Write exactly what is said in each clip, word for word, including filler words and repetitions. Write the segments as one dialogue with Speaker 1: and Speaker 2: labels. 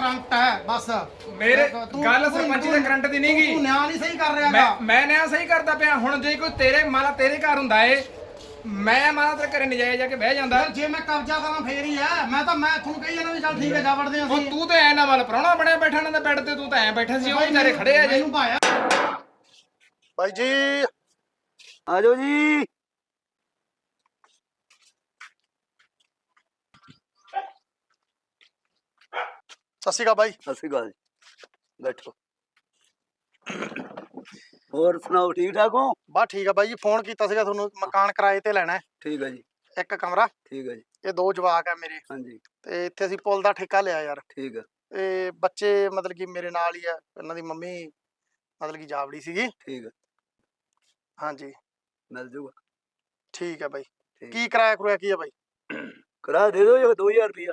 Speaker 1: Current ਹੈ ਬਸ
Speaker 2: ਮੇਰੇ ਗੱਲ ਸਰਪੰਚੀ ਦੇ ਕਰੰਟ ਦੀ ਨਹੀਂ ਗਈ।
Speaker 1: ਤੂੰ ਨਿਆਂ ਨਹੀਂ ਸਹੀ ਕਰ ਰਿਹਾ
Speaker 2: ਮੈਂ ਮੈਂ ਨਿਆਂ ਸਹੀ ਕਰਦਾ ਪਿਆ। ਹੁਣ ਜੇ ਕੋਈ ਤੇਰੇ ਮਾਲਾ ਤੇਰੇ ਘਰ ਹੁੰਦਾ ਏ ਮੈਂ ਮਾਲਾ ਤੇਰੇ ਘਰੇ ਨਜਾਇਜ਼ ਜਾ ਕੇ ਬਹਿ ਜਾਂਦਾ।
Speaker 1: ਜੇ ਮੈਂ ਕਬਜ਼ਾ ਕਰਾਂ ਫੇਰ ਹੀ ਆ। ਮੈਂ ਤਾਂ ਮੈਂ ਤੁਹਾਨੂੰ ਕਹੀ ਜਾਂਦਾ ਵੀ ਚੱਲ ਠੀਕ ਹੈ ਜਾ ਵੜਦੇ
Speaker 2: ਅਸੀਂ। ਤੂੰ ਤੇ ਐ ਨਾ ਵਾਲ ਪ੍ਰਾਹੁਣਾ ਬਣਿਆ ਬੈਠਾ ਨਾ ਬੈੱਡ ਤੇ, ਤੂੰ ਤਾਂ ਐ ਬੈਠਾ ਸੀ, ਉਹ ਵਿਚਾਰੇ ਖੜੇ ਆ ਜੇ।
Speaker 1: ਭਾਈ ਜੀ
Speaker 3: ਆ ਜਾਓ ਜੀ।
Speaker 1: ਸਤਿ ਸ਼੍ਰੀ ਅਕਾਲ ਬਾਈ।
Speaker 3: ਸਤਿ ਸ਼੍ਰੀ ਅਕਾਲ ਜੀ, ਬੈਠੋ। ਹੋਰ ਸੁਣਾਓ, ਠੀਕ ਠਾਕ ਹੋ?
Speaker 1: ਬਸ ਠੀਕ ਆ ਬਾਈ ਜੀ। ਫੋਨ ਕੀਤਾ ਸੀਗਾ ਤੁਹਾਨੂੰ, ਮਕਾਨ ਕਿਰਾਏ ਤੇ ਲੈਣਾ ਹੈ।
Speaker 3: ਠੀਕ ਹੈ ਜੀ।
Speaker 1: ਇੱਕ ਕਮਰਾ।
Speaker 3: ਠੀਕ ਹੈ ਜੀ।
Speaker 1: ਇਹ ਦੋ ਜਵਾਕ ਆ ਮੇਰੇ।
Speaker 3: ਹਾਂਜੀ।
Speaker 1: ਤੇ ਇੱਥੇ ਅਸੀਂ ਪੁੱਲ ਦਾ ਠੇਕਾ ਲਿਆ ਯਾਰ।
Speaker 3: ਠੀਕ ਹੈ।
Speaker 1: ਤੇ ਬੱਚੇ ਮਤਲਬ ਕਿ ਮੇਰੇ ਨਾਲ ਹੀ ਆ। ਇਹਨਾਂ ਦੀ ਮੰਮੀ ਮਤਲਬ ਕਿ ਜਾਵੜੀ ਸੀਗੀ।
Speaker 3: ਠੀਕ ਹੈ।
Speaker 1: ਹਾਂਜੀ
Speaker 3: ਮਿਲ ਜੂਗਾ।
Speaker 1: ਠੀਕ ਹੈ ਬਾਈ। ਕੀ ਕਿਰਾਇਆ ਕਰੂਆ ਕੀ ਆ ਬਾਈ?
Speaker 3: ਕਿਰਾਇਆ ਦੇ ਦਿਓ ਜੀ ਦੋ ਹਜ਼ਾਰ ਰੁਪਇਆ।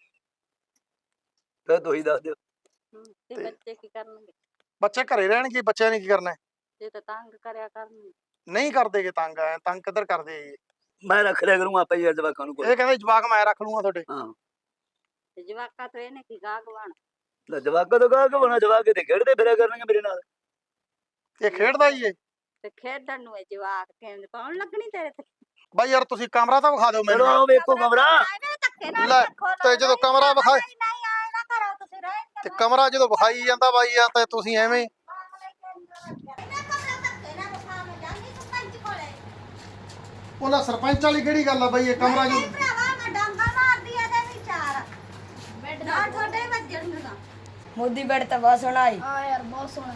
Speaker 3: ਫਿਰ ਦੋ ਹੀ ਦੱਸ ਦਿਓ।
Speaker 4: ਤੇ ਬੱਚੇ ਕੀ ਕਰਨਗੇ?
Speaker 1: ਬੱਚੇ ਘਰੇ ਰਹਿਣਗੇ। ਬੱਚਿਆਂ ਨੇ ਕੀ ਕਰਨਾ?
Speaker 4: ਜੇ ਤਾਂ ਤੰਗ ਕਰਿਆ ਕਰਨਗੇ।
Speaker 1: ਨਹੀਂ ਕਰਦੇਗੇ ਤੰਗ। ਐ ਤੰਗ ਕਿੱਧਰ ਕਰਦੇ ਜੀ?
Speaker 3: ਮੈਂ ਰੱਖ ਲਿਆ ਕਰੂੰਗਾ ਆਪੇ ਯਾਰ ਜਵਾਕਾਂ ਨੂੰ।
Speaker 1: ਇਹ ਕਹਿੰਦੇ ਜਵਾਕ ਮੈਂ ਰੱਖ ਲੂੰਗਾ ਤੁਹਾਡੇ।
Speaker 3: ਹਾਂ
Speaker 4: ਤੇ ਜਵਾਕਾਂ ਤੋਂ ਇਹਨੇ ਕੀ ਗਾਹਕ ਬਣ?
Speaker 3: ਲੈ ਜਵਾਕਾਂ ਤੋਂ ਗਾਹਕ ਬਣਾ। ਜਵਾਕ ਤੇ ਖੇਡਦੇ ਫਿਰਿਆ ਕਰਨਗੇ ਮੇਰੇ ਨਾਲ।
Speaker 1: ਇਹ ਖੇਡਦਾ ਹੀ ਏ
Speaker 4: ਤੇ ਖੇਡਣ ਨੂੰ ਇਹ ਜਵਾਕ ਕਹਿੰਦੇ ਪਾਉਣ ਲੱਗਣੀ ਤੇਰੇ ਤੇ।
Speaker 1: ਬਾਈ ਯਾਰ ਤੁਸੀਂ ਕਮਰਾ ਤਾਂ ਵਿਖਾ ਦਿਓ ਮੈਨੂੰ।
Speaker 3: ਚਲੋ ਵੇਖੋ ਕਮਰਾ।
Speaker 1: ਲੈ ਤੇ ਜਦੋਂ ਕਮਰਾ ਵਿਖਾ
Speaker 4: ਨਹੀਂ ਆਏ ਨਾ ਕਰੋ ਤੁਸੀਂ ਰਹਿਣ
Speaker 1: ਤੇ ਕਮਰਾ ਜਦੋਂ ਵਿਖਾਈ ਜਾਂਦਾ ਬਾਈ ਆ ਤੇ ਤੁਸੀਂ ਐਵੇਂ ਉਹਨਾਂ ਸਰਪੰਚ ਵਾਲੀ ਕਿਹੜੀ ਗੱਲ ਆ ਬਾਈ? ਇਹ ਕਮਰਾ ਜੋ
Speaker 5: ਮੋਦੀ ਬੈਡ ਤਾਂ ਬਹੁਤ ਸੋਹਣਾ ਆਈ।
Speaker 6: ਹਾਂ ਯਾਰ ਬਹੁਤ ਸੋਹਣਾ।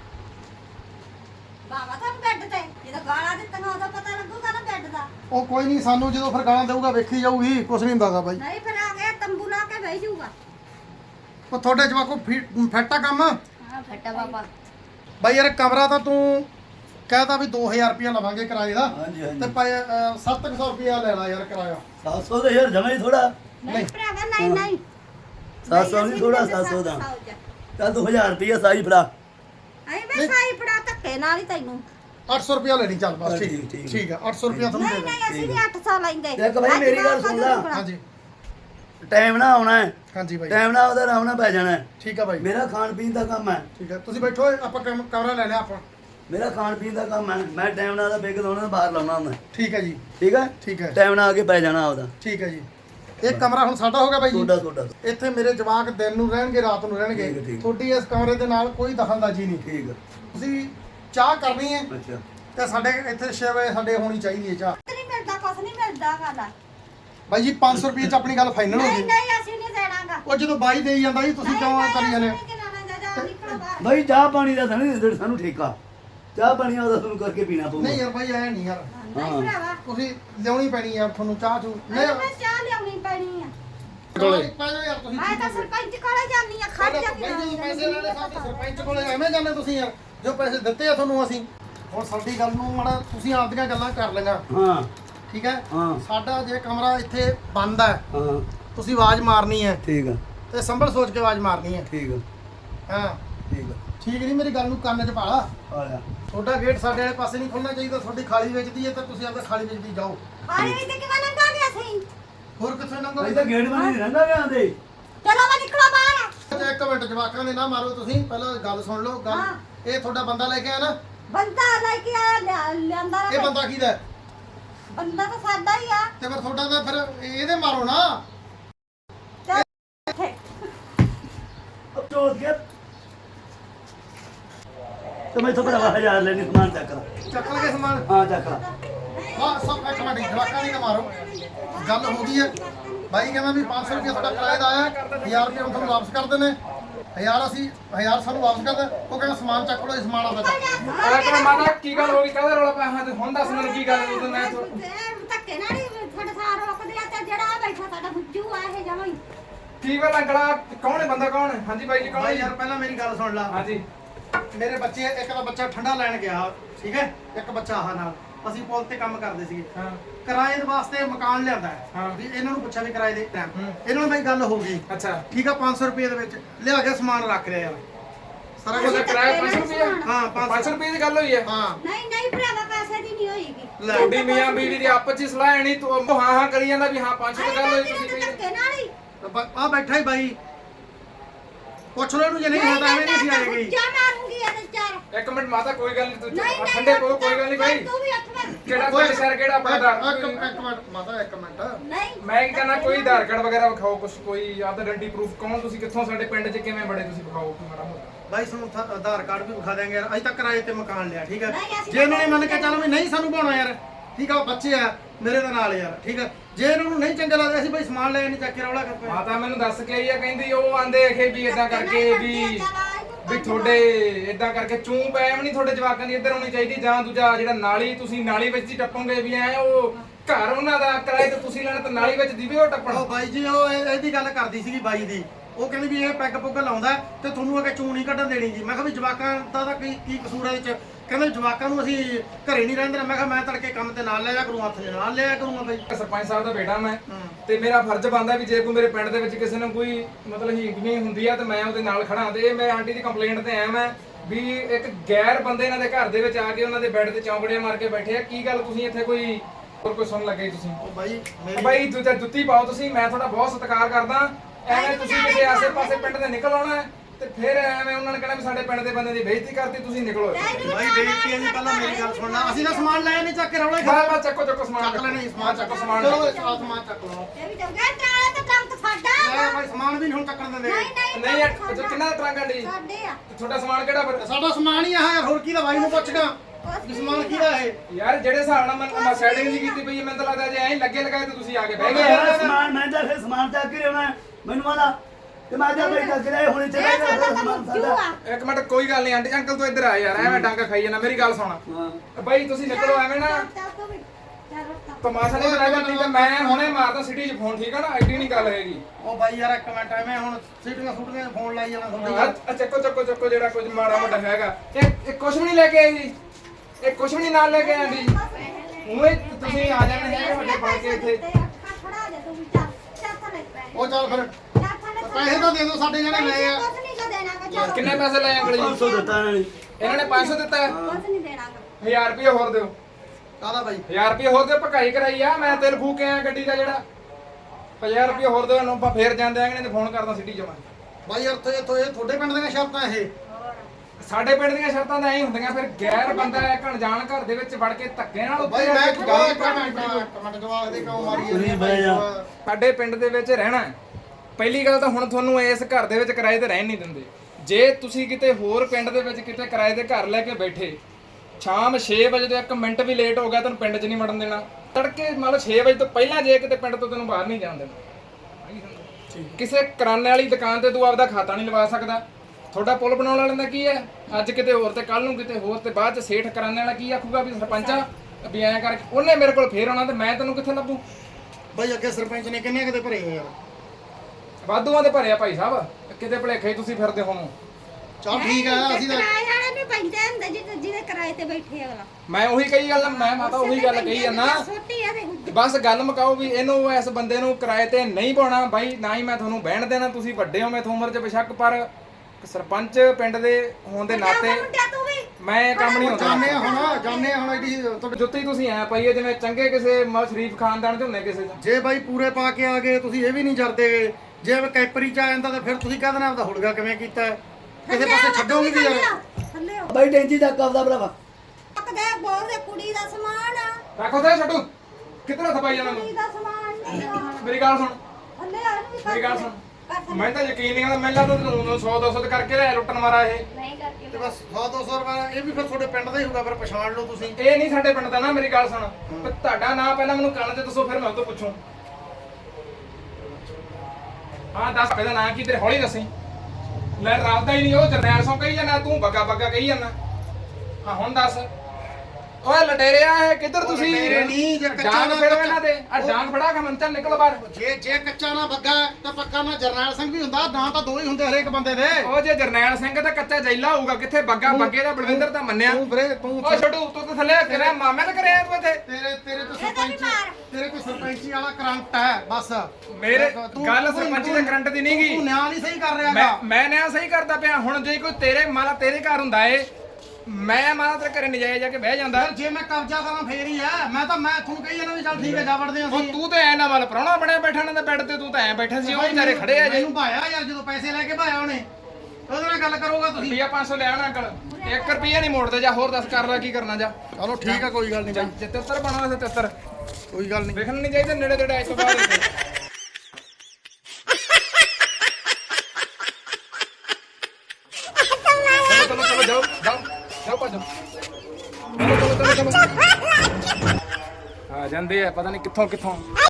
Speaker 4: ਬਾਬਾ ਤੁਹਾਨੂੰ ਬੈੱਡ ਤੇ ਜਦੋਂ ਗਾਲਾਂ ਦਿੱਤੀਆਂ ਉਦੋਂ ਪਤਾ ਲੱਗੂਗਾ ਨਾ ਬੈੱਡ ਦਾ।
Speaker 1: ਉਹ ਕੋਈ ਨਹੀਂ, ਸਾਨੂੰ ਜਦੋਂ ਫਿਰ ਗਾਲਾਂ ਦੇਊਗਾ ਵੇਖੀ ਜਾਊਗੀ। ਕੁਛ ਨਹੀਂ ਹੁੰਦਾਗਾ ਬਾਈ।
Speaker 4: ਨਹੀਂ ਫਿਰ ਆ ਗਿਆ ਤੰਬੂ ਲਾ ਕੇ ਬਹਿ ਜਾਊਗਾ।
Speaker 1: ਉਹ ਤੁਹਾਡੇ ਜਵਾਕੋ ਫੈਟਾ ਕੰਮ।
Speaker 6: ਹਾਂ ਫੱਟਾ ਬਾਬਾ।
Speaker 1: ਬਾਈ ਯਾਰ ਕਮਰਾ ਤਾਂ ਤੂੰ ਕਹਿਤਾ ਵੀ ਦੋ ਹਜ਼ਾਰ ਰੁਪਇਆ ਲਵਾਂਗੇ ਕਿਰਾਏ ਦਾ।
Speaker 3: ਹਾਂਜੀ ਹਾਂਜੀ।
Speaker 1: ਤੇ ਸੱਤ ਕੁ ਸੌ ਰੁਪਇਆ ਲੈਣਾ ਯਾਰ ਕਿਰਾਇਆ।
Speaker 3: ਸੱਤ ਸੌ ਦੇ ਯਾਰ ਜਮਾ ਹੀ ਥੋੜਾ।
Speaker 4: ਨਹੀਂ ਭਰਾਵਾ ਨਹੀਂ ਨਹੀਂ
Speaker 3: ਸੱਤ ਸੌ ਨਹੀਂ ਥੋੜਾ। ਸੱਤ ਸੌ ਦਾ ਚੱਲ ਦੋ ਹਜ਼ਾਰ ਰੁਪਇਆ ਸਾਈ ਫੜਾ।
Speaker 4: ਆਈ ਮੈਂ ਸਾਈ ਫੜਾ ਧੱਕੇ ਨਾਲ ਹੀ ਤੈਨੂੰ।
Speaker 1: ਅੱਠ ਸੌ ਰੁਪਇਆ ਲੈਣੀ ਚੱਲ ਬਸ।
Speaker 3: ਠੀਕ
Speaker 1: ਠੀਕ
Speaker 3: ਠੀਕ
Speaker 1: ਠੀਕ ਆ। ਅੱਠ ਸੌ ਰੁਪਇਆ ਤੁਹਾਨੂੰ
Speaker 4: ਨਹੀਂ
Speaker 1: ਦੇ
Speaker 4: ਨਹੀਂ ਅਸੀਂ ਵੀ ਅੱਠ ਸੌ ਲੈਂਦੇ।
Speaker 3: ਦੇਖ ਬਾਈ ਮੇਰੀ ਗੱਲ ਸੁਣ ਲੈ।
Speaker 1: ਦੇ ਹਾਂਜੀ
Speaker 3: ਟਾਈਮ ਨਾ ਆਉਣਾ ਹੈ।
Speaker 1: ਹਾਂਜੀ ਬਾਈ
Speaker 3: ਟਾਈਮ ਨਾਲ ਉਹਦਾ ਆਰਾਮ ਨਾਲ ਪੈ ਜਾਣਾ ਹੈ।
Speaker 1: ਠੀਕ ਆ ਬਾਈ।
Speaker 3: ਮੇਰਾ ਖਾਣ ਪੀਣ ਦਾ ਕੰਮ ਹੈ।
Speaker 1: ਠੀਕ ਹੈ ਤੁਸੀਂ ਬੈਠੋ। ਆਪਾਂ ਕਮ- ਕਮਰਾ ਲੈ ਲਿਆ ਆਪਾਂ।
Speaker 3: ਮੇਰਾ ਖਾਣ ਪੀਣ ਦਾ ਕੰਮ ਹੈ। ਮੈਂ ਟਾਈਮ ਨਾਲ ਦਾ ਬਿੱਗ ਲਾਉਣਾ ਬਾਹਰ ਲਾਉਣਾ ਹੁੰਦਾ।
Speaker 1: ਠੀਕ ਹੈ ਜੀ।
Speaker 3: ਠੀਕ ਹੈ।
Speaker 1: ਠੀਕ ਹੈ
Speaker 3: ਟਾਈਮ ਨਾਲ ਆ ਕੇ ਪੈ ਜਾਣਾ ਉਹਦਾ।
Speaker 1: ਠੀਕ ਹੈ ਜੀ। ਇਹ ਕਮਰਾ ਹੁਣ ਸਾਡਾ ਹੋ ਗਿਆ ਬਾਈ ਜੀ।
Speaker 3: ਤੁਹਾਡਾ ਤੁਹਾਡਾ
Speaker 1: ਇੱਥੇ ਮੇਰੇ ਜਵਾਕ ਦਿਨ ਨੂੰ ਰਹਿਣਗੇ ਰਾਤ ਨੂੰ
Speaker 3: ਠੀਕ ਹੈ,
Speaker 1: ਰਹਿਣਗੇ।
Speaker 3: ਠੀਕ।
Speaker 1: ਤੁਹਾਡੀ ਇਸ ਕਮਰੇ ਦੇ ਨਾਲ ਕੋਈ ਦਖਲਅੰਦਾਜ਼ੀ ਨਹੀਂ।
Speaker 3: ਠੀਕ ਹੈ।
Speaker 1: ਤੁਸੀਂ ਚਾਹ ਕਰਨੀ ਹੈ
Speaker 3: ਅੱਛਾ
Speaker 1: ਤੇ ਸਾਡੇ ਇੱਥੇ ਛੇ ਵਜੇ ਸਾਡੇ ਹੋਣੀ ਚਾਹੀਦੀ ਹੈ ਚਾਹ।
Speaker 4: ਨਹੀਂ ਮਿਲਦਾ ਕੁਛ ਨਹੀਂ ਮਿਲਦਾ ਗੱਲ।
Speaker 1: ਬਾਈ ਜੀ ਪੰਜ ਸੌ ਰੁਪਏ ਚ ਆਪਣੀ ਗੱਲ ਫਾਈਨਲ ਹੋ
Speaker 4: ਨਹੀਂ
Speaker 1: ਗਈ।
Speaker 4: ਨਹੀਂ ਅਸੀਂ ਨਹੀਂ ਦੇਣਾਗਾ।
Speaker 1: ਉਹ ਜਦੋਂ ਬਾਈ ਦੇਈ ਜਾਂਦਾ ਜੀ ਤੁਸੀਂ ਕਿਉਂ ਕਰੀ ਜਾਂਦੇ ਹੋ?
Speaker 3: ਬਾਈ ਚਾਹ ਪਾਣੀ ਦਾ ਸਾਨੂੰ ਸਾਨੂੰ ਠੇਕਾ। ਚਾਹ ਪਾਣੀ ਉਹਦਾ ਤੁਹਾਨੂੰ ਕਰਕੇ ਪੀਣਾ ਪਊਗਾ।
Speaker 1: ਨਹੀਂ ਯਾਰ ਬਾਈ ਐ ਨਹੀਂ ਯਾਰ।
Speaker 4: ਨਹੀਂ ਭਰਾਵਾ
Speaker 1: ਤੁਸੀਂ ਲਿਆਉਣੀ ਪੈਣੀ ਯਾਰ ਤੁਹਾਨੂੰ ਚਾਹ ਚੂ।
Speaker 4: ਨਹੀਂ ਮੈਂ ਚਾਹ ਲਿਆਉਣੀ ਪੈਣੀ ਆ।
Speaker 1: ਕੋਲੇ ਪਾਇਓ ਯਾਰ ਤੁਸੀਂ।
Speaker 4: ਮੈਂ ਤਾਂ ਸਰਪੰਚ ਕੋਲੇ ਜਾਂਦੀ ਆ। ਖੜ ਜਾਂਦੀ
Speaker 1: ਬਾਈ ਜੀ
Speaker 4: ਆ।
Speaker 1: ਪੈਸੇ ਲੈਣੇ ਸਾਡੇ ਸਰਪੰਚ ਕੋਲੇ ਐਵੇਂ ਜਾਂਦੇ ਤੁਸੀਂ ਯਾਰ। ਜੋ ਪੈਸੇ ਦਿੱਤੇ ਆ ਤੁਹਾਨੂੰ ਅਸੀਂ। ਹੁਣ ਸਾਡੀ ਗੱਲ ਨੂੰ ਮਾੜਾ ਤੁਸੀਂ ਆਪਦੀਆਂ ਗੱਲਾਂ ਕਰ ਲਈਆਂ।
Speaker 3: ਹਾਂ
Speaker 1: ਠੀਕ ਹੈ।
Speaker 3: ਹਾਂ
Speaker 1: ਸਾਡਾ ਜੇ ਕਮਰਾ ਇੱਥੇ ਬੰਦ ਹੈ
Speaker 3: ਹਾਂ
Speaker 1: ਤੁਸੀਂ ਆਵਾਜ਼ ਮਾਰਨੀ ਹੈ
Speaker 3: ਠੀਕ ਹੈ
Speaker 1: ਤੇ ਸੰਭਲ ਸੋਚ ਕੇ ਆਵਾਜ਼ ਮਾਰਨੀ ਹੈ।
Speaker 3: ਠੀਕ ਹੈ
Speaker 1: ਹਾਂ
Speaker 3: ਠੀਕ ਹੈ।
Speaker 1: ਠੀਕ ਨਹੀਂ? ਮੇਰੀ ਗੱਲ ਨੂੰ ਕੰਨ 'ਚ ਪਾਲਾ।
Speaker 3: ਆ ਜਾ।
Speaker 1: ਤੁਹਾਡਾ ਗੇਟ ਸਾਡੇ ਵਾਲੇ ਪਾਸੇ ਨਹੀਂ ਖੁੱਲਣਾ ਚਾਹੀਦਾ। ਤੁਹਾਡੀ ਖਾਲੀ ਵੇਚਦੀ ਹੈ ਤਾਂ ਤੁਸੀਂ ਆਪਦਾ ਖਾਲੀ ਵੇਚਦੀ ਜਾਓ।
Speaker 4: ਪਾਣੀ ਵਿੱਚ ਕਿਵੇਂ ਲੰਘਾ ਗਿਆ ਸੀ?
Speaker 1: ਹੋਰ ਕਿੱਥੇ
Speaker 3: ਅਸੀਂ
Speaker 1: ਲੰਘੋ?
Speaker 3: ਤਾਂ ਗੇਟ ਬੰਦ ਨਹੀਂ ਰਹਿੰਦਾ ਗਿਆ ਤੇ।
Speaker 4: ਚਲੋ ਮੈਂ ਨਿਕਲੋ ਬਾਹਰ।
Speaker 1: ਇੱਕ ਮਿੰਟ ਜਵਾਕਾਂ ਦੇ ਨਾ ਮਾਰੋ ਤੁਸੀਂ। ਪਹਿਲਾਂ ਗੱਲ ਸੁਣ ਲਓ ਗੱਲ।
Speaker 4: ਹਾਂ।
Speaker 1: ਇਹ ਤੁਹਾਡਾ ਬੰਦਾ ਲੈ ਕੇ ਆਇਆ ਨਾ?
Speaker 4: ਬੰਦਾ ਲੈ ਕੇ ਆਇਆ ਲਿਆ- ਲਿਆਂਦਾ
Speaker 1: ਇਹ
Speaker 4: ਨਾ।
Speaker 1: ਬੰਦਾ ਕਿਹਦਾ ਹੈ?
Speaker 4: ਬੰਦਾ ਤਾਂ ਸਾਡਾ ਹੀ ਆ।
Speaker 1: ਤੇ ਫਿਰ ਤੁਹਾਡਾ ਤਾਂ ਫਿਰ ਇਹਦੇ ਮਾਰੋ ਨਾ।
Speaker 4: ਇੱਥੇ
Speaker 3: ਅਬ ਚੋਦ ਗਿਆ ਤੇ ਮੈਂ ਤੋਂ ਬੜਾ ਹਜ਼ਾਰ ਲੈਣੀ ਸਮਾਨ ਚੱਕ ਲਾ।
Speaker 1: ਚੱਕ ਲਗੇ ਸਮਾਨ।
Speaker 3: ਹਾਂ ਚੱਕ ਲਾ।
Speaker 1: ਹਾਂ ਸਭ ਇੱਕ ਮਿੰਟ ਜਵਾਕਾਂ ਦੀ ਨਾ ਮਾਰੋ। ਗੱਲ ਹੋ ਗਈ ਹੈ। ਬਾਈ ਕਹਿੰਦਾ ਵੀ ਪੰਜ ਸੌ ਰੁਪਏ ਤੁਹਾਡਾ ਕਿਰਾਏ ਦਾ ਆਇਆ। ਹਜ਼ਾਰ ਰੁਪਏ ਤੁਹਾਨੂੰ ਵਾਪਸ ਕਰ ਦੇਣੇ। ਹਜ਼ਾਰ ਅਸੀਂ ਹਜ਼ਾਰ ਸਾਨੂੰ ਵਾਪਸ ਕਰ ਦੇ। ਉਹ ਕਹਿੰਦਾ ਸਮਾਨ ਚੱਕ ਲਓ। ਸਮਾਨ ਆਦਾ ਚੱਕ।
Speaker 2: ਮਾਤਾ ਕੀ ਗੱਲ ਹੋ ਗਈ? ਕਾਹਦਾ ਰੌਲਾ ਪਾਇਆ? ਹਾਂ ਤੇ ਹੁਣ ਦੱਸ ਮੈਨੂੰ ਕੀ ਗੱਲ ਹੋਈ? ਮੈਂ
Speaker 4: ਧੱਕੇ ਨਾਲ ਹੀ ਤੁਹਾਡੇ ਸਾਰ ਰੋਕਦੇ ਆ ਤੇ ਜਿਹੜਾ ਆ ਬੈਠਾ ਸਾਡਾ ਬੁੱਝੂ ਆ ਇਹ ਜਮਾਂ ਹੀ।
Speaker 2: ਕੀ ਗੱਲ ਅੰਕਲਾ ਕੌਣ ਹੈ? ਬੰਦਾ ਕੌਣ ਹੈ? ਹਾਂਜੀ ਬਾਈ ਜੀ ਕੌਣ ਹੈ?
Speaker 1: ਬਾਈ ਯਾਰ ਪਹਿਲਾਂ ਮੇਰੀ ਗੱਲ ਸੁਣ ਲਾ।
Speaker 2: ਹਾਂਜੀ
Speaker 1: ਮੇਰੇ ਬੱਚੇ ਇੱਕ ਦਾ ਬੱਚਾ ਠੰਡਾ ਲੈਣ ਗਿਆ। ਠੀਕ ਹੈ। ਇੱਕ ਬੱਚਾ ਆਹ ਨਾਲ ਅਸੀਂ ਪੁਲ ਤੇ ਕੰਮ ਕਰਦੇ ਸੀਗੇ।
Speaker 2: ਹਾਂ
Speaker 1: ਕਿਰਾਏ ਦੇ ਵਾਸਤੇ ਮਕਾਨ ਲਿਆਂਦਾ ਹੈ।
Speaker 2: ਹਾਂ।
Speaker 1: ਵੀ ਇਹਨਾਂ ਨੂੰ ਪੁੱਛਿਆ ਵੀ ਕਿਰਾਏ ਦੇ ਟਾਈਮ
Speaker 2: ਹੂੰ।
Speaker 1: ਇਹਨਾਂ ਨੂੰ ਬਈ ਗੱਲ ਹੋ ਗਈ।
Speaker 2: ਅੱਛਾ
Speaker 1: ਠੀਕ ਆ ਪੰਜ ਸੌ ਰੁਪਏ ਦੇ ਵਿੱਚ ਲਿਆ ਕੇ ਸਮਾਨ ਰੱਖ ਲਿਆ ਯਾਰ ਸਾਰਾ ਕੁਝ।
Speaker 2: ਉਹਦਾ ਕਿਰਾਇਆ ਪੰਜ ਸੌ ਰੁਪਏ?
Speaker 1: ਹਾਂ
Speaker 2: ਪੰਜ ਸੌ ਰੁਪਏ ਦੀ ਗੱਲ ਹੋਈ ਹੈ?
Speaker 1: ਹਾਂ
Speaker 4: ਨਹੀਂ ਨਹੀਂ ਭਰਾਵਾ ਪੈਸੇ ਦੀ ਨਹੀਂ ਹੋਏਗੀ।
Speaker 1: ਲੈ
Speaker 2: ਤੁਹਾਡੀ ਮੀਆਂ ਬੀਵੀ ਦੀ ਆਪਸ ਚ ਸਲਾਹ ਹੈ ਨਹੀਂ ਤੂੰ ਹਾਂ ਹਾਂ ਕਰੀ ਜਾਂਦਾ ਵੀ ਹਾਂ ਪੰਜ ਸੌ ਦੀ ਗੱਲ ਹੋਈ ਤੁਸੀਂ ਕਹੀ
Speaker 4: ਧੱਕੇ ਨਾਲ ਹੀ।
Speaker 1: ਆ ਬੈਠਾ ਹੀ ਬਾਈ ਪੁੱਛ ਲਓ ਇਹਨੂੰ ਜੇ ਨਹੀਂ ਹੁੰਦਾ ਐਵੇਂ ਨਹੀਂ ਸੀ ਆਏਗੀ
Speaker 4: ਜਾ ਮਾਰੂੰਗੀ ਇਹਦੇ ਚਾਰ
Speaker 2: ਇੱਕ ਮਿੰਟ ਮਾਤਾ ਕੋਈ ਗੱਲ ਨਹੀਂ ਤੂੰ
Speaker 4: ਨਹੀਂ ਨਹੀਂ
Speaker 2: ਠੰਡੇ ਕੋਲ ਕੋਈ ਗੱਲ ਨਹੀਂ ਬਾਈ
Speaker 4: ਤੂੰ ਵੀ ਅੱਠ ਮਿੰਟ
Speaker 2: ਕਿਹੜਾ ਕੋਈ ਸ਼ਹਿਰ ਕਿਹੜਾ ਆਪਣਾ ਆਧਾਰ
Speaker 1: ਇੱਕ
Speaker 2: ਕੋਈ-
Speaker 1: ਇੱਕ ਮਿੰਟ ਮਾਤਾ ਇੱਕ ਮਿੰਟ
Speaker 4: ਨਹੀਂ
Speaker 2: ਮੈਂ ਕੀ ਕਹਿੰਦਾ ਕੋਈ ਆਧਾਰ ਕਾਰਡ ਵਗੈਰਾ ਵਿਖਾਓ ਕੁਛ ਕੋਈ ਆਇਡੈਂਟੀ ਪ੍ਰੂਫ ਕੌਣ ਤੁਸੀਂ ਕਿੱਥੋਂ ਸਾਡੇ ਪਿੰਡ 'ਚ ਕਿਵੇਂ ਬੜੇ ਤੁਸੀਂ ਵਿਖਾਓ ਕੋਈ ਮਾੜਾ ਮੋਟਾ
Speaker 1: ਬਾਈ ਸਾਨੂੰ ਥ- ਆਧਾਰ ਕਾਰਡ ਵੀ ਵਿਖਾ ਦਿਆਂਗੇ ਯਾਰ ਅਸੀਂ ਤਾਂ ਕਿਰਾਏ ਤੇ ਮਕਾਨ ਲਿਆ ਠੀਕ ਹੈ
Speaker 4: ਨਹੀਂ, ਅਸੀਂ
Speaker 1: ਜੇ ਇਹਨਾਂ ਨੇ ਮੰਨ ਕੇ ਚੱਲ ਵੀ ਨਹੀਂ ਸਾਨੂੰ ਪਾਉਣਾ ਯਾਰ ਠੀਕ ਆ ਬੱਚੇ ਆ ਮੇਰੇ ਦੇ ਨਾਲ ਯਾਰ ਠੀਕ ਆ ਜੇ ਇਹਨਾਂ ਨੂੰ ਨਹੀਂ ਚੰਗਾ ਲੱਗਦਾ ਅਸੀਂ ਬਾਈ ਸਮਾਨ ਲੈ ਨਹੀਂ ਚੱਕ ਕੇ ਰੌਲਾ ਕਰਦੇ
Speaker 2: ਮਾਤਾ ਮੈਨੂੰ ਦੱਸ ਕੇ ਆਈ ਆ ਕਹਿੰਦੀ ਉਹ ਆਂਦੇ ਅਖੇ ਵੀ ਇਦਾਂ ਕਰਕੇ ਵੀ ਵੀ ਤੁਹਾਡੇ ਇਦਾਂ ਕਰਕੇ ਚੂੰ ਪੈ ਵੀ ਨਹੀਂ ਤੁਹਾਡੇ ਜਵਾਕਾਂ ਦੀ ਇੱਧਰ ਹੋਣੀ ਚਾਹੀਦੀ ਜਾਂ ਦੂਜਾ ਜਿਹੜਾ ਨਾਲੀ ਤੁਸੀਂ ਨਾਲੀ ਵਿੱਚ ਹੀ ਟੱਪੋਗੇ ਵੀ ਐ ਉਹ ਘਰ ਉਹਨਾਂ ਦਾ ਕਿਰਾਏ ਤੇ ਤੁਸੀਂ ਲੈਣਾ ਤੇ ਨਾਲੀ ਵਿੱਚ ਦੀ ਵੀ ਉਹ ਟੱਪਣ
Speaker 1: ਉਹ ਬਾਈ ਜੀ ਉਹ ਇਹ- ਇਹਦੀ ਗੱਲ ਕਰਦੀ ਸੀਗੀ ਬਾਈ ਦੀ ਉਹ ਕਹਿੰਦੀ ਵੀ ਇਹ ਪੈਗ ਪੁੱਗ ਲਾਉਂਦਾ ਤੇ ਤੁਹਾਨੂੰ ਅੱਗੇ ਚੂੰ ਨਹੀਂ ਕੱਢਣ ਦੇਣੀ ਜੀ ਮੈਂ ਕਿਹਾ ਵੀ ਜਵਾਕਾਂ ਦਾ ਤਾਂ ਕੀ ਕੀ ਕਸੂਰ ਹੈ ਇਹਦੇ ਚ ਕਹਿੰਦੇ ਜਵਾਕਾਂ ਨੂੰ ਅਸੀਂ ਘਰੇ ਨਹੀਂ ਰਹਿੰਦੇ ਮੈਂ ਕਿਹਾ ਮੈਂ ਤੜਕੇ ਕੰਮ ਤੇ ਨਾਲ ਲੈ ਜਾ ਕਰੂੰ ਹੱਥ ਦੇ ਨਾਲ ਲਿਆ ਕਰੂੰਗਾ ਬਾਈ
Speaker 2: ਸਰਪੰਚ ਸਾਹਿਬ ਦਾ ਬੇਟਾ ਮੈਂ ਤੇ ਮੇਰਾ ਫਰਜ਼ ਬਣਦਾ ਵੀ ਜੇ ਕੋਈ ਮੇਰੇ ਪਿੰਡ ਦੇ ਵਿੱਚ ਕਿਸੇ ਨੂੰ ਕੋਈ ਮਤਲਬ ਹੀਗਮੀ ਹੁੰਦੀ ਆ ਤੇ ਮੈਂ ਉਹਦੇ ਨਾਲ ਖੜਾ ਤੇ ਇਹ ਮੈਂ ਆਂਟੀ ਦੀ ਕੰਪਲੇਂਟ ਤੇ ਆਇਆ ਮੈਂ ਵੀ ਇੱਕ ਗੈਰ ਬੰਦੇ ਇਹਨਾਂ ਦੇ ਘਰ ਦੇ ਵਿੱਚ ਆ ਕੇ ਉਹਨਾਂ ਦੇ ਬੈੱਡ ਤੇ ਚੌਂਕੜੀਆਂ ਮਾਰ ਕੇ ਬੈਠੇ ਆ ਕੀ ਗੱਲ ਤੁਸੀਂ ਇੱਥੇ ਕੋਈ ਹੋਰ ਕੋਈ ਸੁਣ ਲੱਗੇ ਤੁਸੀਂ
Speaker 1: ਉਹ ਬਾਈ ਮੇਰੀ
Speaker 2: ਬਾਈ ਤੂੰ ਤਾਂ ਜੁੱਤੀ ਪਾਓ ਤੁਸੀਂ ਮੈਂ ਤੁਹਾਡਾ ਬਹੁਤ ਸਤਿਕਾਰ ਕਰਦਾ ਐਵੇਂ ਤੁਸੀਂ ਕਿਸੇ ਆਸੇ-ਪਾਸੇ ਪਿੰਡ ਦੇ ਨਿਕਲ ਆਉਣਾ ਹੈ ਤੇ ਫਿਰ ਐਵੇਂ ਉਹਨਾਂ ਨੇ ਕਹਿਣਾ ਵੀ ਸਾਡੇ ਪਿੰਡ ਦੇ ਬੰਦੇ ਦੀ ਬੇਇੱਜ਼ਤੀ ਕਰਤੀ ਤੁਸੀਂ ਨਿਕਲੋ
Speaker 1: ਬਾਈ ਬੇਇੱਜ਼ਤੀ ਨਹੀਂ ਪਹਿਲਾਂ ਮੇਰੀ ਗੱਲ ਸੁਣਨਾ ਅਸੀਂ ਤਾਂ ਸਮਾਨ ਲੈ ਨਹੀਂ ਚੱਕ ਕੇ ਰੌਲੇ
Speaker 2: ਬਾ ਬਾ ਚੱਕੋ ਚੱਕੋ ਸਮਾਨ
Speaker 1: ਚੱਕ ਲੈਣੇ ਸਮਾਨ ਚੱਕੋ
Speaker 2: ਸਮਾਨ
Speaker 1: ਚਲੋ ਇਸ ਆ ਸਮਾਨ ਚੱਕ ਲਓ
Speaker 4: ਇਹ ਵੀ ਚੰਗਾ ਟਰਾਲਾ ਤਾਂ ਕੰਮ ਤਾਂ ਸਾਡਾ
Speaker 1: ਲੈ ਬਾਈ ਸਮਾਨ ਵੀ ਨਹੀਂ ਹੁਣ ਚੱਕਣ ਦਿੰਦੇ
Speaker 4: ਨਹੀਂ ਨਹੀਂ
Speaker 2: ਨਹੀਂ ਯਾਰ ਜੋ ਕਿੰਨਾ ਤਰ੍ਹਾਂ ਕੰਡੀ
Speaker 4: ਸਾਡੇ ਆ
Speaker 2: ਤੁਹਾਡਾ ਸਮਾਨ ਕਿਹੜਾ ਫਿਰ
Speaker 1: ਸਾਡਾ ਸਮਾਨ ਹੀ ਆ ਯਾਰ ਹੋਰ ਕੀ ਦਾ ਬਾਈ ਨੂੰ ਪੁੱਛਗਾ ਵੀ ਸਮਾਨ ਕਿਹਦਾ ਇਹ
Speaker 2: ਯਾਰ ਜਿਹੜੇ ਹਿਸਾਬ ਨਾਲ ਮੈਂ ਮੈਂ ਸੈਟਿੰਗ ਨਹੀਂ ਕੀਤੀ ਪਈ ਹੈ, ਮੈਨੂੰ ਤਾਂ ਲੱਗਦਾ ਜੇ ਐਂ ਲੱਗੇ ਲਗਾਏ ਤੇ ਤੁਸੀਂ ਆ ਕੇ ਬਹਿ ਗਏ
Speaker 3: ਮੇਰਾ ਸਮਾਨ ਮੈਂ ਤਾਂ ਫਿਰ ਸਮਾਨ ਚੱਕ ਕੇ ਆਉਣਾ ਮੈਨੂੰ ਆਦਾ ਤੇ ਮੈਂ ਜਾ ਬਈ ਚੱਕ ਰਿਹਾ ਹੁਣੇ ਚਲਾ
Speaker 4: ਇਹ
Speaker 3: ਗਿਆ
Speaker 4: ਸਾਡਾ ਤਾਂ
Speaker 3: ਸਮਾਨ
Speaker 4: ਮੁੱਜੂ
Speaker 3: ਸਾਡਾ
Speaker 4: ਆ
Speaker 2: ਇੱਕ ਮਿੰਟ ਕੋਈ ਗੱਲ ਨਹੀਂ ਆਂਟੀ ਅੰਕਲ ਤੂੰ ਇੱਧਰ ਆ ਯਾਰ ਐਵੇਂ ਡਾਂਗਾ ਖਾਈ ਜਾਣਾ ਮੇਰੀ ਗੱਲ ਸੁਣ
Speaker 3: ਹਾਂ
Speaker 2: ਬਾਈ ਤੁਸੀਂ ਨਿਕਲੋ ਐਵੇਂ ਨਾ ਤਮਾਸ਼ਾ ਨਹੀਂ ਬਣਾਇਆ ਨਹੀਂ ਤਾਂ ਮੈਂ ਹੁਣੇ ਮਾਰਦਾ ਸਿਟੀ 'ਚ ਫੋਨ ਠੀਕ ਆ ਨਾ ਐਡੀ ਨਹੀਂ ਗੱਲ ਹੈਗੀ
Speaker 1: ਉਹ ਬਾਈ ਯਾਰ ਇੱਕ ਮਿੰਟ ਐਵੇਂ ਹੁਣ ਸੀਟੀਆਂ ਸੂਟੀਆਂ ਫੋਨ ਲਾਈ ਜਾਣਾ ਤੁਹਾਡੀ
Speaker 2: ਆ ਚੱਕੋ ਚੱਕੋ ਚੱਕੋ ਜਿਹੜਾ ਕੁਝ ਮਾੜਾ ਮੋਟਾ ਹੈਗਾ ਇਹ ਇਹ ਕੁਝ ਵੀ ਨਹੀਂ ਲੈ ਕੇ ਆਈ ਜੀ ਇਹ ਕੁਝ ਵੀ ਨਹੀਂ ਨਾਲ ਲੈ ਕੇ ਆਂਦੀ ਉਵੇਂ ਤੁਸੀਂ ਆ ਜਾਣੇ ਹੈਗੇ ਵੱਡੇ ਬਣ ਕੇ ਇੱਥੇ
Speaker 4: ਖੜਾ ਜਾ ਤੂੰ ਵੀ ਚੱਲ ਚੱਲ ਥੱਲੇ ਪੈ
Speaker 1: ਉਹ ਚੱਲ ਫਿਰ
Speaker 4: ਚੱਲ ਥੱਲੇ
Speaker 1: ਪੈਸੇ ਤਾਂ ਦੇ ਦਿਓ ਸਾਡੇ ਜਿਹੜੇ ਲਏ ਆ
Speaker 4: ਕੁਛ ਨਹੀਂ ਕੋ ਦੇਣਾ ਗਾ, ਚਲੋ
Speaker 2: ਕਿੰਨੇ ਪੈਸੇ ਲਏ ਅੰਕਲ
Speaker 3: ਪੰਜ ਸੌ
Speaker 2: ਜੀ
Speaker 3: ਦਿੱਤਾ ਇਹਨਾਂ ਨੇ
Speaker 2: ਇਹਨਾਂ ਨੇ ਪੰਜ ਸੌ ਦਿੱਤਾ ਹੈ
Speaker 4: ਕੁਛ ਨਹੀਂ ਦੇਣਾ ਗਾ।
Speaker 2: ਹਜ਼ਾਰ ਰੁਪਏ ਹੋਰ ਦਿਓ
Speaker 1: ਕਾਹਦਾ ਬਾਈ
Speaker 2: ਹਜ਼ਾਰ ਰੁਪਏ ਹੋਰ ਦਿਓ ਭਕਾਈ ਕਰਾਈ ਆ ਮੈਂ ਤੇਲ ਫੂਕ ਕੇ ਆਇਆ ਗੱਡੀ ਦਾ ਜਿਹੜਾ ਹਜ਼ਾਰ ਰੁਪਏ ਹੋਰ ਦਿਓ ਇਹਨੂੰ ਆਪਾਂ ਫੇਰ ਜਾਂਦੇ ਆਂਗੇ ਤੇ ਫੋਨ ਕਰਦਾ ਸਿਟੀ 'ਚ ਮੈਂ
Speaker 1: ਬਾਈ ਯਾਰ ਤੇ ਇਹ ਤੁਹਾਡੇ ਪਿੰਡ ਦੀਆਂ ਸ਼ਰਤਾਂ ਇਹ
Speaker 2: ਸਾਡੇ ਪਿੰਡ ਦੀਆਂ ਸ਼ਰਤਾਂ ਤਾਂ ਐਂ ਹੀ ਹੁੰਦੀਆਂ ਫਿਰ ਗੈਰ ਬੰਦਾ ਇੱਕ ਅਣਜਾਣ ਘਰ ਦੇ ਵਿੱਚ ਵੜ ਕੇ ਧੱਕੇ ਨਾਲ
Speaker 1: ਬਾਈ
Speaker 2: ਉੱਤੇ
Speaker 1: ਮੈਂ
Speaker 2: ਇੱਕ ਗੱਲ
Speaker 1: ਗੱਲ
Speaker 2: ਕਰਨੀ
Speaker 1: ਕਰਨਾ ਕਮੈਂਟ ਜਵਾਬ ਦੇ ਕਿਉਂ ਮਾਰੀ
Speaker 3: ਤੁਸੀਂ ਬਹਿ ਜਾ।
Speaker 2: ਸਾਡੇ ਪਿੰਡ ਦੇ ਵਿੱਚ ਰਹਿਣਾ ਹੈ। ਪਹਿਲੀ ਗੱਲ ਤਾਂ ਹੁਣ ਤੁਹਾਨੂੰ ਇਸ ਘਰ ਦੇ ਵਿੱਚ ਕਿਰਾਏ ਤੇ ਰਹਿਣ ਨਹੀਂ ਦਿੰਦੇ ਜੇ ਤੁਸੀਂ ਕਿਤੇ ਹੋਰ ਪਿੰਡ ਦੇ ਵਿੱਚ ਕਿਤੇ ਕਿਰਾਏ ਦੇ ਘਰ ਲੈ ਕੇ ਬੈਠੇ ਸ਼ਾਮ ਛੇ ਵਜੇ ਤੋਂ ਇੱਕ ਮਿੰਟ ਵੀ ਲੇਟ ਹੋ ਗਿਆ ਤੈਨੂੰ ਪਿੰਡ 'ਚ ਨਹੀਂ ਵੜਨ ਦੇਣਾ ਤੜਕੇ ਮੰਨ ਲਓ ਛੇ ਵਜੇ ਤੋਂ ਪਹਿਲਾਂ ਜੇ ਕਿਤੇ ਪਿੰਡ ਤੋਂ ਤੈਨੂੰ ਬਾਹਰ ਨਹੀਂ ਜਾਣ ਦੇਣਾ ਕਿਸੇ ਕਰਿਆਨੇ ਵਾਲੀ ਦੁਕਾਨ ਤੇ ਤੂੰ ਆਪਦਾ ਖਾਤਾ ਨਹੀਂ ਲਵਾ ਸਕਦਾ ਤੁਹਾਡਾ ਪੁੱਲ ਬਣਾਉਣ ਵਾਲਿਆਂ ਦਾ ਕੀ ਹੈ ਅੱਜ ਕਿਤੇ ਹੋਰ ਤੇ ਕੱਲ ਨੂੰ ਕਿਤੇ ਹੋਰ ਤੇ ਬਾਅਦ 'ਚ ਸੇਠ ਕਰਿਆਨੇ ਵਾਲਾ ਕੀ ਆਖੂਗਾ ਵੀ ਸਰਪੰਚਾ ਵੀ ਐਂ ਕਰਕੇ ਉਹਨੇ ਮੇਰੇ ਕੋਲ ਫੇਰ ਆਉਣਾ ਤੇ ਮੈਂ ਤੈਨੂੰ ਕਿੱਥੇ ਲੱਭੂ
Speaker 1: ਬਾਈ ਅੱਗੇ ਸਰਪੰਚ ਨੇ ਕਿੰਨੇ ਕਿਤੇ ਭਰੇ ਹੋਏ ਯਾਰ
Speaker 2: ਵਾਧੂਆਂ ਦੇ ਭਰਿਆ ਭਾਈ ਸਾਹਿਬ ਕਿਤੇ ਭਲੇਖੇ ਤੁਸੀਂ ਫਿਰਦੇ ਹੋ
Speaker 1: ਚਲ ਠੀਕ ਆ ਅਸੀਂ ਤਾਂ
Speaker 4: ਕਿਰਾਏ ਵਾਲੇ ਨਹੀਂ ਪੈਂਦੇ ਹੁੰਦੇ ਜਿਹਦੇ ਜਿਹਦੇ ਕਿਰਾਏ ਤੇ ਬੈਠੇ ਅਗਲਾ
Speaker 2: ਮੈਂ ਉਹੀ ਕਹੀ ਗੱਲ ਮੈਂ ਮਾਤਾ ਉਹੀ ਗੱਲ ਕਹੀ ਜਾਂਦਾ
Speaker 4: ਛੋਟੀ ਆ ਤੇ
Speaker 2: ਬਸ ਗੱਲ ਮੁਕਾਓ ਵੀ ਇਹਨੂੰ ਇਸ ਬੰਦੇ ਨੂੰ ਕਿਰਾਏ ਤੇ ਨਹੀਂ ਪਾਉਣਾ ਬਾਈ ਨਾ ਹੀ ਮੈਂ ਤੁਹਾਨੂੰ ਬਹਿਣ ਦੇਣਾ ਤੁਸੀਂ ਵੱਡੇ ਹੋ ਮੈਥੋਂ ਉਮਰ 'ਚ ਬੇਸ਼ੱਕ ਪਰ ਸਰਪੰਚ ਪਿੰਡ ਦੇ ਹੋਣ ਦੇ ਨਾਤੇ
Speaker 4: ਮੁੰਡਿਆ ਤੂੰ ਵੀ
Speaker 2: ਮੈਂ ਇਹ ਕੰਮ ਨਹੀਂ ਹੁੰਦਾ
Speaker 1: ਜਾਣੇ ਹੁਣ ਜਾਣੇ ਹੁਣ ਐਡੀ ਤੁਹਾਡੇ
Speaker 2: ਜੁੱਤੀ ਤੁਸੀਂ ਐ ਪਾਈਏ ਜਿਵੇਂ ਚੰਗੇ ਕਿਸੇ ਮ ਸ਼ਰੀਫ ਖਾਨਦਾਨ ਦੇ ਹੁੰਦੇ ਕਿਸੇ ਚ
Speaker 1: ਜੇ ਬਾਈ ਪੂਰੇ ਪਾ ਕੇ ਆ ਗਏ ਤੁਸੀਂ ਇਹ ਵੀ ਨਹੀਂ ਜਰਦੇ ਜੇ ਕੈਪਰੀ ਚ ਆ ਜਾਂਦਾ ਤਾਂ ਫਿਰ ਤੁਸੀਂ ਕਹਿ ਦੇਣਾ ਆਪਦਾ ਹੁੜਗਾ ਕਿਵੇਂ ਕੀਤਾ ਹੈ। ਕਿਸੇ ਪਾਸੇ ਛੱਡੋਗੇ ਵੀ ਯਾਰ
Speaker 4: ਥੱਲੇ ਹੋ
Speaker 3: ਬਾਈ ਟੈਂਜੀ ਦਾ ਕਵਦਾ ਭਰਾਵਾ
Speaker 4: ਪੱਕਦੇ ਬੋਲਦੇ ਕੁੜੀ ਦਾ ਸਮਾਨ ਆ
Speaker 2: ਰੱਖੋ ਤੇ ਛੱਡੋ ਕਿੱਧਰ ਹੱਥ ਪਾਈ ਜਾਣਾ
Speaker 4: ਕੁੜੀ
Speaker 2: ਤੂੰ
Speaker 4: ਦਾ ਸਮਾਨ ਨਹੀਂ ਆ।
Speaker 2: ਮੇਰੀ ਗੱਲ ਸੁਣ
Speaker 4: ਥੱਲੇ ਆ ਇਹਨੂੰ ਵੀ
Speaker 2: ਮੇਰੀ ਗੱਲ
Speaker 4: ਕਰ
Speaker 2: ਸੁਣ
Speaker 4: ਥੱਲੇ।
Speaker 2: ਮੈਂ ਤਾਂ ਯਕੀਨ ਨਹੀਂ ਆਉਂਦਾ ਮੈਨੂੰ ਲੱਗਦਾ ਤੈਨੂੰ ਸੌ ਦੋ ਸੌ ਤੇ ਕਰਕੇ ਲੈ ਲੁੱਟਣ ਮਾਰਾ ਇਹ
Speaker 6: ਨਹੀਂ ਕਰਕੇ
Speaker 1: ਤੇ ਬਸ ਸੌ ਦੋ ਸੌ ਰੁਪਏ ਇਹ ਵੀ ਫਿਰ ਤੁਹਾਡੇ ਪਿੰਡ ਦਾ ਹੀ ਹੋਊਗਾ ਫਿਰ ਪਛਾਣ ਲਓ ਤੁਸੀਂ
Speaker 2: ਇਹ ਨਹੀਂ ਸਾਡੇ ਪਿੰਡ ਦਾ ਨਾ ਮੇਰੀ ਗੱਲ ਸੁਣ ਪਰ ਤੁਹਾਡਾ ਨਾਂ ਪਹਿਲਾਂ ਮੈਨੂੰ ਕੰਨ ਤੇ ਦੱਸੋ ਫਿਰ ਮੈਂ ਉਹ ਤੋਂ ਪੁੱਛੂ ਹਾਂ ਦੱਸ ਪਹਿਲਾਂ ਨਾਂ ਕੀ ਤੇਰੇ ਹੌਲੀ ਦੱਸੀ ਲੈ ਰਾਦਾ ਹੀ ਨਹੀਂ ਉਹ ਜਰਨੈਲ ਸੋਂ ਕਹੀ ਜਾਂਦਾ ਤੂੰ ਬੱਗਾ ਬੱਗਾ ਕਹੀ ਜਾਂਦਾ ਹਾਂ ਹੁਣ ਦੱਸ ਓਏ ਲਟੇਰਿਆ ਇਹ ਕਿੱਧਰ ਤੁਸੀਂ
Speaker 1: ਲਟੇਰੇ ਨਹੀਂ, ਜੇ ਕੱਚਾ
Speaker 2: ਡਾਂਗ
Speaker 1: ਨਾ
Speaker 2: ਫੜੋ
Speaker 1: ਕੱਚਾ-
Speaker 2: ਇਹਨਾਂ ਦੇ ਆ ਡਾਂਗ ਫੜਾ ਕੇ ਮੰਤਰ ਨਿਕਲ ਬਾਹਰ
Speaker 1: ਜੇ ਜੇ ਕੱਚਾ ਨਾ ਬੱਗਾ ਤਾਂ ਪੱਕਾ ਨਾ ਜਰਨੈਲ ਸਿੰਘ ਵੀ ਹੁੰਦਾ ਨਾ ਤਾਂ ਦੋ ਹੀ ਹੁੰਦੇ ਹਰੇਕ ਬੰਦੇ ਦੇ
Speaker 2: ਉਹ ਜੇ ਜਰਨੈਲ ਸਿੰਘ ਤਾਂ ਕੱਚਾ ਜੈਲਾ ਹੋਊਗਾ ਕਿੱਥੇ ਬੱਗਾ ਬੱਗੇ ਦਾ ਬਲਵਿੰਦਰ ਤਾਂ ਮੰਨਿਆ
Speaker 1: ਤੂੰ ਵੀਰੇ ਤੂੰ
Speaker 2: ਓ ਛੱਡੂ ਤੂੰ ਤਾਂ ਥੱਲੇ ਕਰਿਆ ਮਾਮੇ ਤੇ ਕਰਿਆ ਤੂੰ ਇੱਥੇ
Speaker 1: ਤੇਰੇ ਤੇਰੇ ਤੋਂ
Speaker 4: ਇਹਦਾ ਵੀ
Speaker 1: ਸਰਪੰਚ
Speaker 4: ਮਾਰ।
Speaker 1: ਤੇਰੇ ਕੋਈ ਸਰਪੰਚੀ ਵਾਲਾ ਕਰੰਟ ਹੈ ਬਸ
Speaker 2: ਮੇਰੇ
Speaker 1: ਤੂੰ-
Speaker 2: ਗੱਲ
Speaker 1: ਤੂੰ-
Speaker 2: ਸਰਪੰਚੀ
Speaker 1: ਤੂੰ-
Speaker 2: ਦੇ ਕਰੰਟ ਦੀ ਨਹੀਂਗੀ
Speaker 1: ਤੂੰ ਨਿਆਂ ਨਹੀਂ ਸਹੀ ਕਰ ਰਿਹਾ
Speaker 2: ਮੈਂ
Speaker 1: ਗਾ
Speaker 2: ਮੈਂ ਨਿਆਂ ਸਹੀ ਕਰਦਾ ਪਿਆ ਹੁਣ ਜੇ ਕੋਈ ਤੇਰੇ ਮਾਲਾ ਤੇਰੇ ਘਰ ਹੁੰਦਾ ਏ ਮੈਂ ਮਾਲਾ ਤੇਰੇ ਘਰੇ ਨਜਾਇਜ਼ ਜਾ ਕੇ ਬਹਿ ਜਾਂਦਾ
Speaker 1: ਯਾਰ ਜੇ ਮੈਂ ਕਬਜ਼ਾ ਕਰਾਂ ਫੇਰ ਹੀ ਆ ਮੈਂ ਤਾਂ ਮੈਂ ਤੁਹਾਨੂੰ ਕਹੀ ਜਾਂਦਾ ਵੀ ਚੱਲ ਠੀਕ ਹੈ ਜਾ ਵੜਦੇ ਹਾਂ
Speaker 2: ਉਹ
Speaker 1: ਅਸੀਂ
Speaker 2: ਤੂੰ ਤੇ ਐ ਨਾ ਮਲ ਪ੍ਰਾਹੁਣਾ ਬਣਿਆ ਬੈਠਾ ਨਾ ਬੈੱਡ ਤੇ ਤੂੰ ਤਾਂ ਐ ਬੈਠਾ ਸੀ ਉਹ ਵਿਚਾਰੇ ਖੜੇ ਆ ਜੇ
Speaker 1: ਮੈਨੂੰ ਭਾਇਆ ਯਾਰ ਜਦੋਂ ਪੈਸੇ ਲੈ ਕੇ ਭਾਇਆ ਉਹਨੇ ਉਹਦੇ ਨਾਲ ਗੱਲ ਕਰੋਗਾ ਤੁਸੀਂ
Speaker 2: ਰੁਪਿਆ ਪੰਜ ਸੌ ਲੈ ਆਣਾ ਅੰਕਲ ਇੱਕ ਰੁਪਿਆ ਨਹੀਂ ਮੋੜਦੇ ਜਾ ਹੋਰ ਦੱਸ ਕਰ ਲੈ ਕੀ ਕਰਨਾ ਜਾ
Speaker 1: ਚਲੋ ਠੀਕ ਆ ਕੋਈ ਗੱਲ ਨਹੀਂ ਬਾਈ
Speaker 2: ਚਤੱਤਰ ਬਣਾ ਵੈਸੇ ਤੇਤਰ
Speaker 1: ਕੋਈ ਗੱਲ ਨਹੀਂ
Speaker 2: ਵੇਖਣ ਨਹੀਂ ਚਾਹੀਦੇ ਨੇੜੇ ਤੇੜੇ ਇਸ ਤੋਂ ਬਾਅਦ ਚਲੋ ਚਲੋ ਚਲੋ ਜਾਓ ਜਾਓ ਜਾਓ ਭਾਜੋ ਚਲੋ ਚਲੋ ਚਲੋ ਚਲੋ ਆ ਜਾਂਦੇ ਆ ਪਤਾ ਨਹੀਂ ਕਿੱਥੋਂ ਕਿੱਥੋਂ